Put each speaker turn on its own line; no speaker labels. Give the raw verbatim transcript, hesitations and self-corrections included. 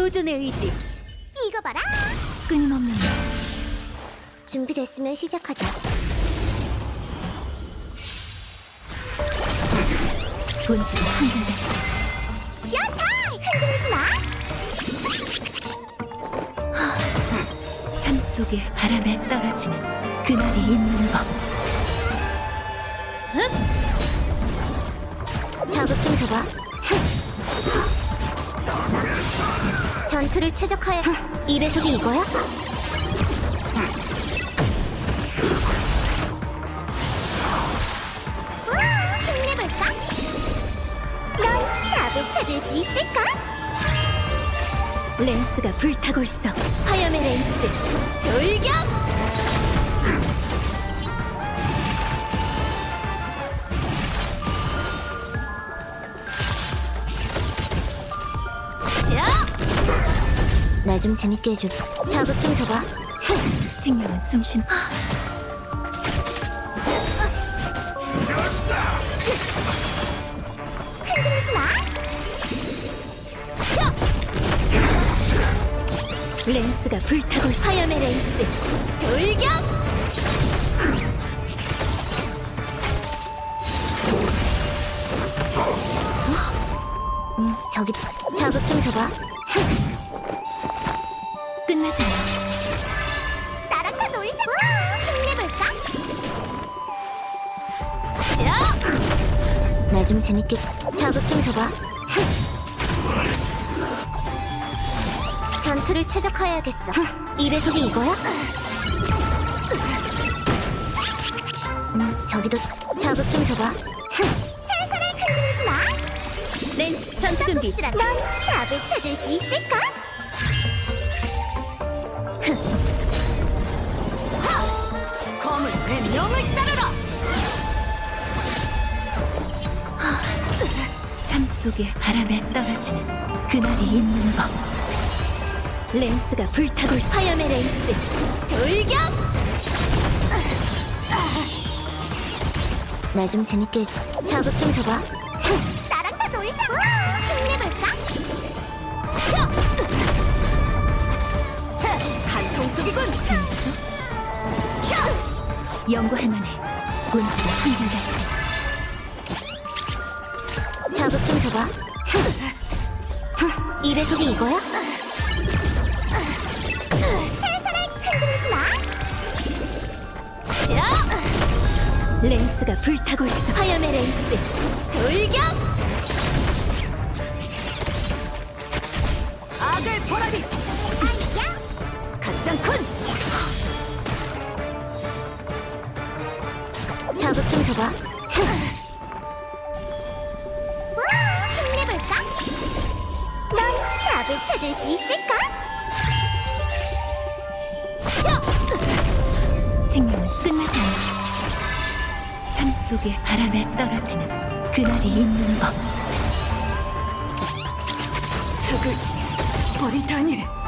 보존의 의지.
이거 봐라.
끊임없는
준비됐으면 시작하자.
본질이 한결같이
쇼타임! 흔들리지 마.
삶 속에 바람에 떨어지는 그날이 있는 법.
자극 좀 줘봐. 전투를 최적화해. 이 배속이 이거야? 우와, 힘내볼까? 넌 답을 찾을 수 있을까?
렌스가 불타고 있어. 화염의 렌스 돌격!
날 좀 재밌게 해줘. 자극 좀 줘봐.
생명은 숨쉰
흔들리지 마.
렌스가 불타고 있어. 화염의 렌스 돌격!
응, 저기 자극 좀 줘봐.
끝나지 않아.
나랑 다 놀자. 힘내볼까? 날 좀 재밌게. 자극 좀 줘봐. 전투를 최적화해야겠어. 이 배속이 이거야? 음, 저기도 자극 좀 줘봐. 살살을 흔들리지 마.
렌스 전투 준비.
넌 답을 찾을 수 있을까?
검은 뱀령을 따르라. 삶 속에 바람에 떨어지는 그날이 있는 법. 렌스가 불타고 있어. 화염의 렌스 돌격!
날 좀 재밌게 해줘. 자극 좀 줘봐. 나랑 다 놀자. 힘내볼까?
한통 속이군. 연구할 만해. 본질이 한결같이
자극 좀 줘봐. 이 배속이 이거야? 살살을 흔들리지 마.
렌스가 불타고 있어. 화염의 렌스 돌격! 악을 보라리.
아이야.
가짱쿤.
자극 좀 줘봐. 우와, 힘내볼까? 넌 답을 찾을 수 있을까?
생명은 끝나지 않아. 삶 속에 바람에 떨어지는 그날이 있는 법. 흙을 버리다니.